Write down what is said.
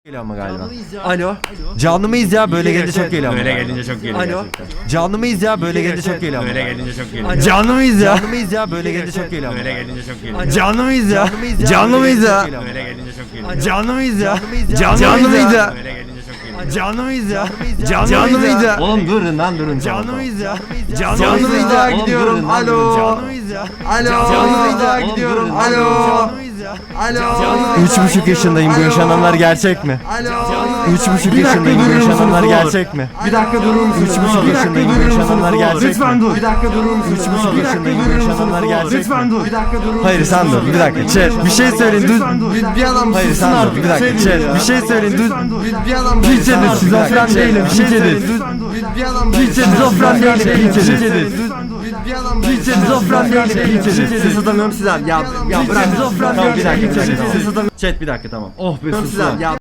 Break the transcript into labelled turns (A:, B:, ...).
A: Geliyor ama galiba. Alo. Canlı mıyız ya? Böyle gelince çok geliyor ama.
B: Böyle gelince çok geliyor.
A: Alo. Canlı mıyız ya? Böyle gelince çok geliyor ama.
B: Böyle gelince çok geliyor.
A: Canlı mıyız ya? Canlı mıyız ya? Böyle gelince çok geliyor ama.
B: Böyle gelince çok geliyor.
A: Canlı mıyız ya? Canlı mıyız ya?
B: Böyle gelince çok geliyor.
A: Canlı mıyız ya? Canlı mıyız ya?
B: Böyle gelince çok geliyor.
A: Canlı mıyız ya? Canlı mıyız ya?
C: Oğlum durun lan durun.
A: Canlı mıyız ya?
C: Canlı mıyız ya?
A: Oğlum,
C: Gidiyorum.
A: durun,
C: Alo.
A: Canlı mıyız ya?
C: Alo.
A: Canlı mıyız ya?
C: Oğlum,
A: Gidiyorum.
C: durun.
A: Alo.
C: Alo.
A: Canlı mıyız ya?
C: Alo.
A: 3,5 yaşındayım. Bu yaşananlar gerçek mi?
C: Alo.
A: 3,5 yaşındayım. Bu yaşananlar gerçek mi?
C: Bir dakika durur musun?
A: 3,5 yaşındayım. Bu yaşananlar gerçek mi?
C: Lütfen dur. Bir dakika durur musun?
A: 3,5 yaşındayım. Bu yaşananlar gerçek mi?
C: Lütfen dur. Bir dakika durur musun?
A: Hayır sen dur. Bir dakika. Chat. Bir şey söyleyin.
C: Bir adam
A: Hayır
C: sussun
A: sen dur.
C: artık.
A: Bir dakika. Chat. Bir şey söyleyin.
C: Bir adam
A: Pilçedir. Şizofren değilim. Pilçedir.
C: Bir adam
A: Şizofren değilim. Pilçedir.
C: Bir adam
A: Şizofren değilim. Pilçedir.
C: Ses atamıyorum size. Ya bırak.
A: Şizofren
C: Tamam, bir dakika.
A: değilim.
C: Ses atamıyorum
A: Chat bir dakika tamam.
C: size. Ya